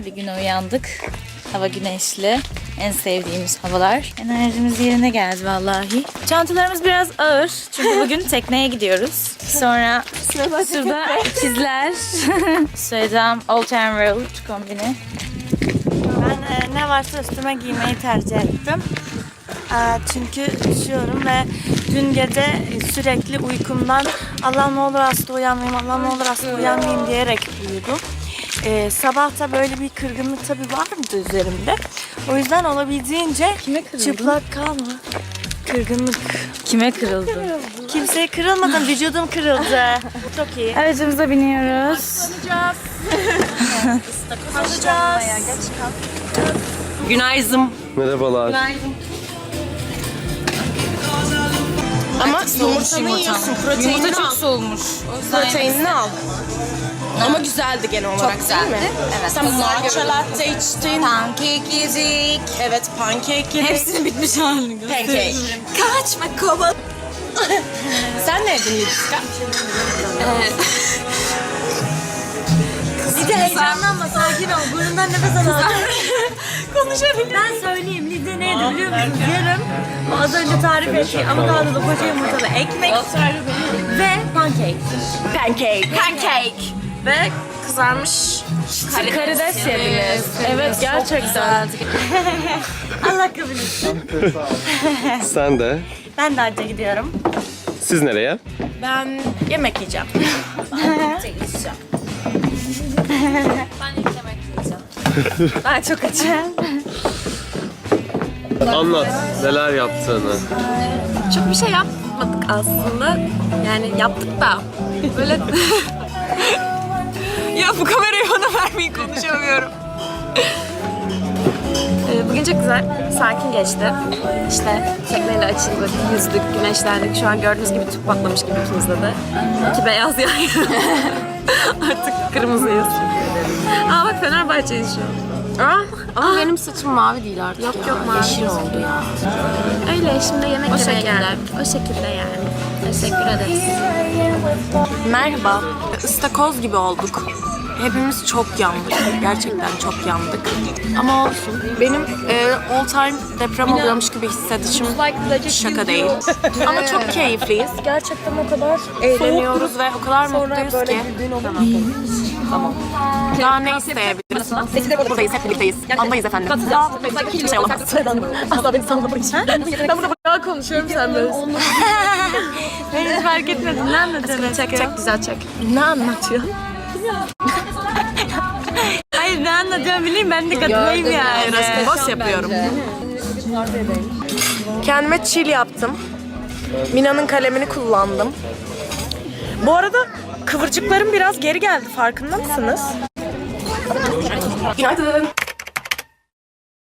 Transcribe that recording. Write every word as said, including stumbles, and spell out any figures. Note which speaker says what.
Speaker 1: bir güne uyandık. Hava güneşli. En sevdiğimiz havalar. Enerjimiz yerine geldi vallahi. Çantalarımız biraz ağır. Çünkü bugün tekneye gidiyoruz. Sonra şurada ikizler. Söyleyeceğim Old Town Road kombini.
Speaker 2: Ben e, ne varsa üstüme giymeyi tercih ettim. E, çünkü üşüyorum ve dün gece sürekli uykumdan Allah ne olur hasta uyanmayayım, Allah ne olur hasta uyanmayayım diyerek uyudum. E, sabah da böyle bir kırgınlık tabii vardı üzerimde. O yüzden olabildiğince
Speaker 1: Kime kırıldın?
Speaker 2: çıplak kalma. Kırgınlık.
Speaker 1: Kime kırıldı?
Speaker 2: Kimseye kırılmadım, vücudum kırıldı. Çok iyi.
Speaker 1: Aracımıza biniyoruz.
Speaker 2: Alacağız.
Speaker 3: Günaydın.
Speaker 4: Merhabalar.
Speaker 3: Ama yumurtanı yiyorsun, proteinini
Speaker 1: Yumurta
Speaker 3: al.
Speaker 1: çok soğumuş.
Speaker 3: Proteinini al. Ama güzeldi genel olarak değil mi?
Speaker 1: Evet.
Speaker 3: Sen matcha latte içtin.
Speaker 1: Pankek yedik.
Speaker 3: Evet, pankek yedin.
Speaker 1: Hepsinin bitmiş halini
Speaker 3: Pancake.
Speaker 1: Kaçma kova.
Speaker 3: Sen ne yedin Lidska?
Speaker 2: Bir de heyecanlanma, sakin ol. Burnundan nefes al. Konuşabilirim. Ben söyleyeyim. Lidya neydi biliyor musunuz? Yarım o az önce tarif ettiği avokadolu koca yumurtalı ekmek ve pancake.
Speaker 3: Pancake.
Speaker 2: Pancake.
Speaker 3: Ve kızarmış
Speaker 1: Karides yediniz. Evet gerçekten.
Speaker 2: Allah kabul etsin.
Speaker 4: Sen de.
Speaker 2: Ben de hacca gidiyorum.
Speaker 4: Siz nereye?
Speaker 3: Ben yemek yiyeceğim.
Speaker 2: Ben çok açım.
Speaker 4: Anlat neler yaptığını.
Speaker 3: Çok bir şey yapmadık aslında. Yani yaptık da böyle... ya bu kamerayı bana vermeyin, konuşamıyorum. Ee, Bugün çok güzel, sakin geçti. İşte tekneyle açıldık, yüzdük, güneşlendik. Şu an gördüğünüz gibi tüp patlamış gibi ikimizde de. İki beyaz yan yana. Artık kırmızıyız. Aa bak Fenerbahçe'yiz şu an. Aa,
Speaker 5: Ama benim saçım mavi değil artık.
Speaker 3: Yok,
Speaker 5: ya.
Speaker 3: yok, mavi
Speaker 5: Yeşil
Speaker 3: değil.
Speaker 5: oldu ya.
Speaker 3: öyle şimdi yemek
Speaker 5: O
Speaker 3: yemeye
Speaker 5: şekilde.
Speaker 3: geldik. O şekilde yani.
Speaker 5: Teşekkür ederiz.
Speaker 3: Merhaba. Istakoz gibi olduk. Hepimiz çok yandık. Gerçekten çok yandık. Ama olsun. Benim e, all time deprem oluyormuş gibi hissedişim şaka değil. Ama çok keyifliyiz. Gerçekten o kadar eğleniyoruz ve o kadar mutluyuz ki. Tamam. Daha ne isteyebiliriz? Buradayız, hep birlikteyiz. Andayız efendim. Hiçbir şey olamaz. Asla beni sanmamayız. Ben burada bayağı konuşuyorum, sen böyle.
Speaker 2: Ben hiç fark etmedim. Ne anlatıyorsun?
Speaker 3: Çek çek, güzel çek. Ne anlatıyor?
Speaker 2: Hayır ne anlatıyorsun bileyim, ben de katılayım yani.
Speaker 3: Boss yapıyorum. Kendime chill yaptım. Mina'nın kalemini kullandım. Bu arada kıvırcıklarım biraz geri geldi, farkında mısınız? Günaydın.